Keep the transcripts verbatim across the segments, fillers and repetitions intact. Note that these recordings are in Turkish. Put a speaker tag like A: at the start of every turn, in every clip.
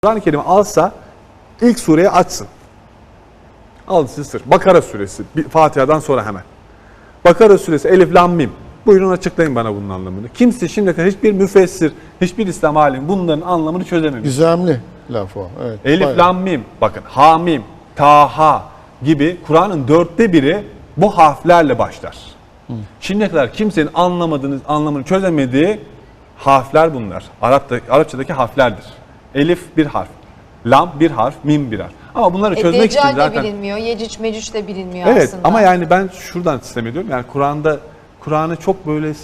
A: Kur'an-ı Kerim'i alsa ilk sureyi açsın. Al size sır. Bakara suresi. Fatiha'dan sonra hemen. Bakara suresi Elif Lam Mim. Buyurun açıklayın bana bunun anlamını. Kimse şimdiye kadar hiçbir müfessir, hiçbir İslam alimi bunların anlamını çözememiş.
B: Gizemli laf o. Evet,
A: Elif
B: bayağı.
A: Lam Mim. Bakın Hamim, Taha gibi Kur'an'ın dörtte biri bu harflerle başlar. Hı. Şimdiye kadar kimsenin anlamadığınız, anlamını çözemediği harfler bunlar. Arap'ta, Arapçadaki harflerdir. Elif bir harf, Lam bir harf, Mim bir harf. Ama bunları
C: e,
A: çözmek için
C: Deccal
A: zaten...
C: de bilinmiyor, Yecüc Mecüc de bilinmiyor
A: evet,
C: aslında.
A: ama yani ben şuradan sistem ediyorum. Yani Kur'an'da Kur'an'ı çok böyle e,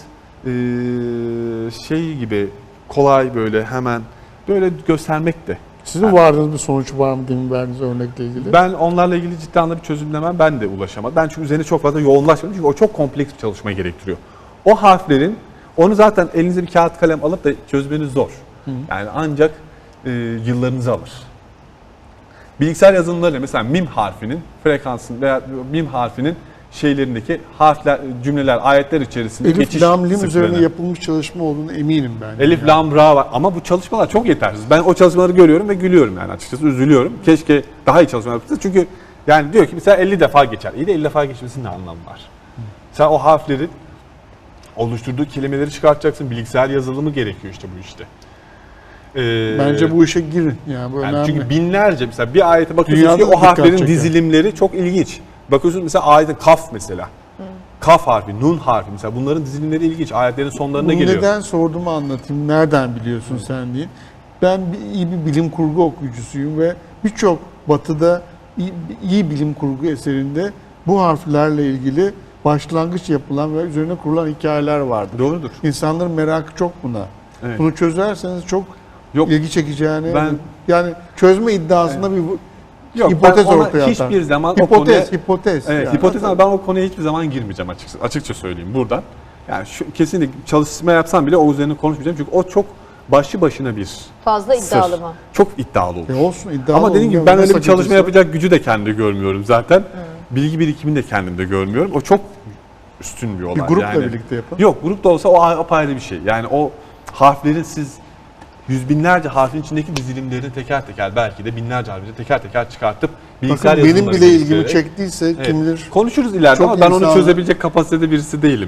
A: şey gibi kolay böyle hemen böyle göstermek de.
B: Sizin
A: yani,
B: vardığınız bir sonuç var mı demin verdiğiniz örnekle ilgili?
A: Ben onlarla ilgili ciddi anlamda bir çözümlemem ben de ulaşamadım. Ben çünkü üzerine çok fazla yoğunlaşmadım çünkü o çok kompleks bir çalışma gerektiriyor. O harflerin onu zaten elinize bir kağıt kalem alıp da çözmeniz zor. Hı. Yani ancak e, yıllarınızı alır. Bilgisayar yazılımlarıyla mesela mim harfinin frekansın veya mim harfinin şeylerindeki harfler, cümleler, ayetler içerisinde
B: Elif,
A: geçiş
B: Lam, Lim
A: sıklığını.
B: üzerine yapılmış çalışma olduğunu eminim ben.
A: Elif,
B: yani.
A: Lam, Ra var ama bu çalışmalar çok yetersiz. Ben o çalışmaları görüyorum ve gülüyorum yani açıkçası üzülüyorum. Keşke daha iyi çalışmalar yapılsa çünkü yani diyor ki mesela elli defa geçer. İyi de elli defa geçmesinin ne anlamı var? Hı. Sen o harfleri oluşturduğu kelimeleri çıkartacaksın. Bilgisayar yazılımı gerekiyor işte bu işte. Ee,
B: Bence bu işe girin. Yani bu
A: yani
B: önemli.
A: çünkü binlerce mesela bir ayete bakıyorsunuz
B: Dünyada
A: ki o harflerin
B: dikkat çeker.
A: dizilimleri çok ilginç. Bakıyorsunuz mesela ayetin kaf mesela. Hı. Kaf harfi, nun harfi mesela bunların dizilimleri ilginç. Ayetlerin sonlarına
B: Bunu
A: geliyor.
B: neden sorduğumu anlatayım. Nereden biliyorsun Hı. sen diye. Ben bir, iyi bir bilim kurgu okuyucusuyum ve birçok batıda iyi, iyi bilim kurgu eserinde bu harflerle ilgili başlangıç yapılan ve üzerine kurulan hikayeler vardır.
A: Doğrudur.
B: İnsanların merakı çok buna.
A: Evet.
B: Bunu çözerseniz çok
A: Yok,
B: ilgi çekeceğini,
A: ben,
B: yani çözme iddiasında
A: evet.
B: bir
A: Yok,
B: hipotez
A: ben ona
B: ortaya
A: hiçbir
B: atar.
A: zaman
B: hipotez,
A: o konuya,
B: hipotez.
A: Evet,
B: yani.
A: hipotez ama ben o konuya hiçbir zaman girmeyeceğim açıkça, açıkça söyleyeyim buradan. Yani şu, kesinlikle çalışma yapsam bile o üzerine konuşmayacağım çünkü o çok başlı başına bir
C: Fazla iddialı
A: sır.
C: mı?
A: Çok iddialı olur.
B: E olsun, iddialı
A: ama dediğim gibi
B: olur.
A: ben öyle bir
B: Nasıl
A: çalışma
B: gücüsü?
A: yapacak gücü de kendimde görmüyorum zaten.
C: Hmm.
A: Bilgi birikimini de kendimde görmüyorum. O çok üstün bir olay.
B: Bir grupla
A: yani,
B: birlikte yapın.
A: Yok, grupta olsa o apayrı bir şey. Yani o harflerin siz yüz binlerce harfin içindeki dizilimlerini teker teker belki de binlerce harfini teker teker çıkartıp bilgisayar
B: Bakın benim
A: yazılımları
B: bile ilgimi
A: geliştirerek-
B: çektiyse
A: Evet.
B: kim bilir.
A: Konuşuruz ileride
B: Çok
A: ama ben onu
B: insanlar-
A: çözebilecek kapasitede birisi değilim.